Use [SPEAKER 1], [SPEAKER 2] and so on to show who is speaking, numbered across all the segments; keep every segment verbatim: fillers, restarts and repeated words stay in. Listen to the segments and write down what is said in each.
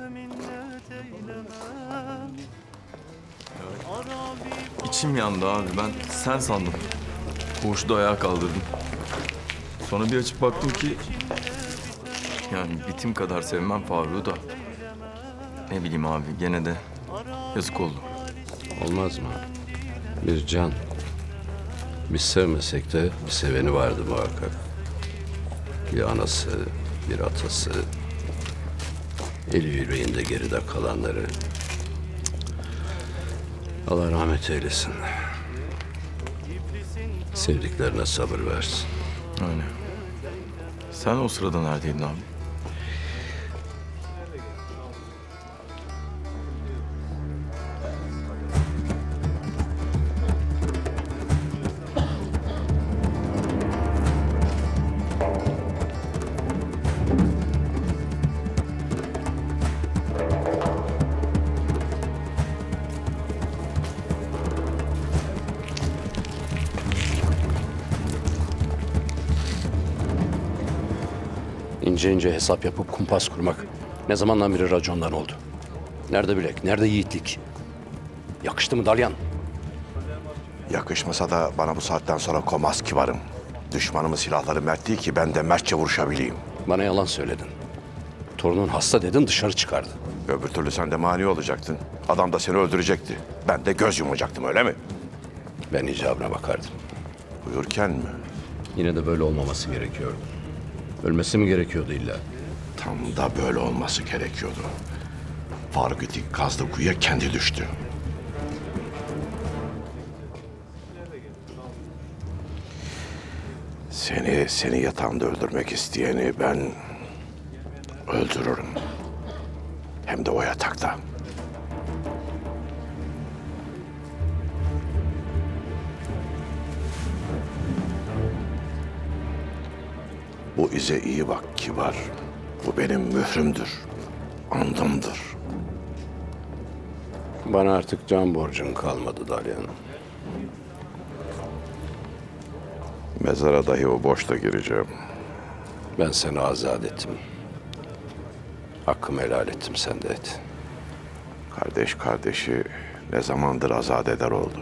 [SPEAKER 1] İçim yandı abi. Ben sen sandım. Koğuşta ayağa kaldırdım. Sonra bir açıp baktım ki... Yani bitim kadar sevmem Faruk'u da. Ne bileyim abi, gene de yazık oldu.
[SPEAKER 2] Olmaz mı? Bir can. Biz sevmesek de bir seveni vardı muhakkak. Bir anası, bir atası. Eli yüreğinde geride kalanları. Allah rahmet eylesin. Sevdiklerine sabır versin.
[SPEAKER 1] Öyle. Sen o sırada neredeydin abi?
[SPEAKER 2] İnce ince hesap yapıp kumpas kurmak ne zamandan beri racondan oldu. Nerede bilek, nerede yiğitlik? Yakıştı mı Dalyan?
[SPEAKER 3] Yakışmasa da bana bu saatten sonra komaz kibarım. Düşmanımın silahları mert değil ki ben de mertçe vuruşabileyim.
[SPEAKER 2] Bana yalan söyledin. Torunun hasta dedin, dışarı çıkardı.
[SPEAKER 3] Öbür türlü sen de mani olacaktın. Adam da seni öldürecekti. Ben de göz yumacaktım, öyle mi?
[SPEAKER 2] Ben icabına bakardım.
[SPEAKER 3] Buyurken mi?
[SPEAKER 2] Yine de böyle olmaması gerekiyordu. Ölmesi mi gerekiyordu illa?
[SPEAKER 3] Tam da böyle olması gerekiyordu. Faruk itik kazdı kuyuya kendi düştü. Seni, seni yatağında öldürmek isteyeni ben öldürürüm. Hem de o yatakta. Bu ize iyi bak kibar. Bu benim mührümdür. Andımdır.
[SPEAKER 2] Bana artık can borcun kalmadı Dalyan.
[SPEAKER 3] Mezara dahi o boşta gireceğim.
[SPEAKER 2] Ben seni azat ettim. Hakkımı helal ettim, sen de et.
[SPEAKER 3] Kardeş kardeşi ne zamandır azat eder oldu.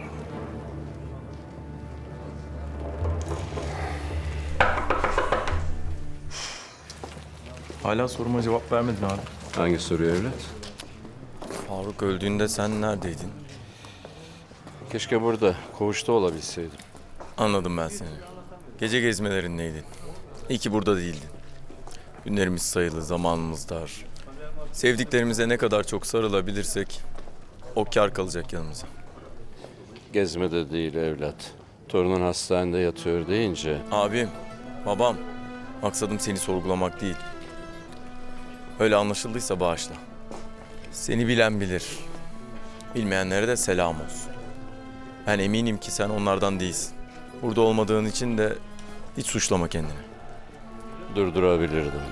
[SPEAKER 1] Hala soruma cevap vermedin abi.
[SPEAKER 2] Hangi soruyu evlat?
[SPEAKER 1] Faruk öldüğünde sen neredeydin?
[SPEAKER 2] Keşke burada, koğuşta olabilseydim.
[SPEAKER 1] Anladım ben seni. Gece gezmelerindeydin. İyi ki burada değildin. Günlerimiz sayılı, zamanımız dar. Sevdiklerimize ne kadar çok sarılabilirsek o kâr kalacak yanımıza.
[SPEAKER 2] Gezmede değil evlat. Torunun hastanede yatıyor deyince...
[SPEAKER 1] Abim, babam, maksadım seni sorgulamak değil. Öyle anlaşıldıysa bağışla. Seni bilen bilir. Bilmeyenlere de selam olsun. Ben eminim ki sen onlardan değilsin. Burada olmadığın için de hiç suçlama kendini.
[SPEAKER 2] Durdurabilirdim.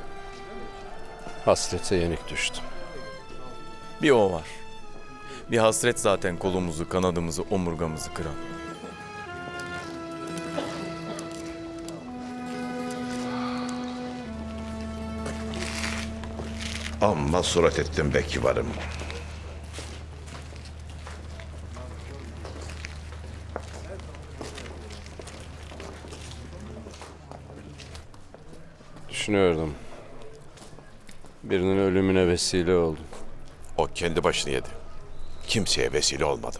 [SPEAKER 2] Hasrete yenik düştüm.
[SPEAKER 1] Bir o var. Bir hasret zaten kolumuzu, kanadımızı, omurgamızı kıran.
[SPEAKER 3] Amma surat ettim be kibarım.
[SPEAKER 2] Düşünüyordum. Birinin ölümüne vesile oldum.
[SPEAKER 3] O kendi başını yedi. Kimseye vesile olmadım.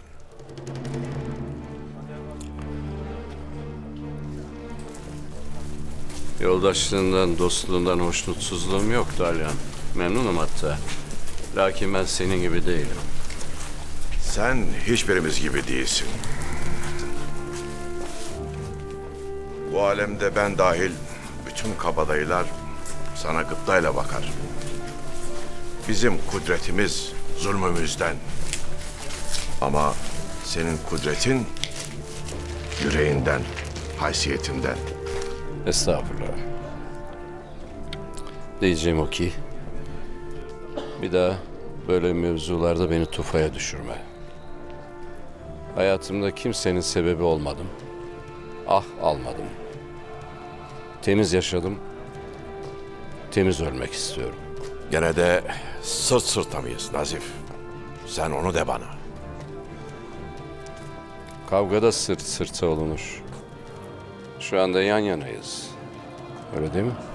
[SPEAKER 2] Yoldaşlığından, dostluğundan hoşnutsuzluğum yok Dalyan. Memnunum hatta. Lakin ben senin gibi değilim.
[SPEAKER 3] Sen hiçbirimiz gibi değilsin. Bu alemde ben dahil bütün kabadayılar sana gıptayla bakar. Bizim kudretimiz zulmümüzden. Ama senin kudretin yüreğinden, haysiyetinden.
[SPEAKER 2] Estağfurullah. Diyeceğim o ki... Bir daha böyle mevzularda beni tufaya düşürme. Hayatımda kimsenin sebebi olmadım. Ah almadım. Temiz yaşadım. Temiz ölmek istiyorum.
[SPEAKER 3] Gene de sırt sırta mıyız Nazif? Sen onu de bana.
[SPEAKER 2] Kavgada sırt sırta olunur. Şu anda yan yanayız. Öyle değil mi?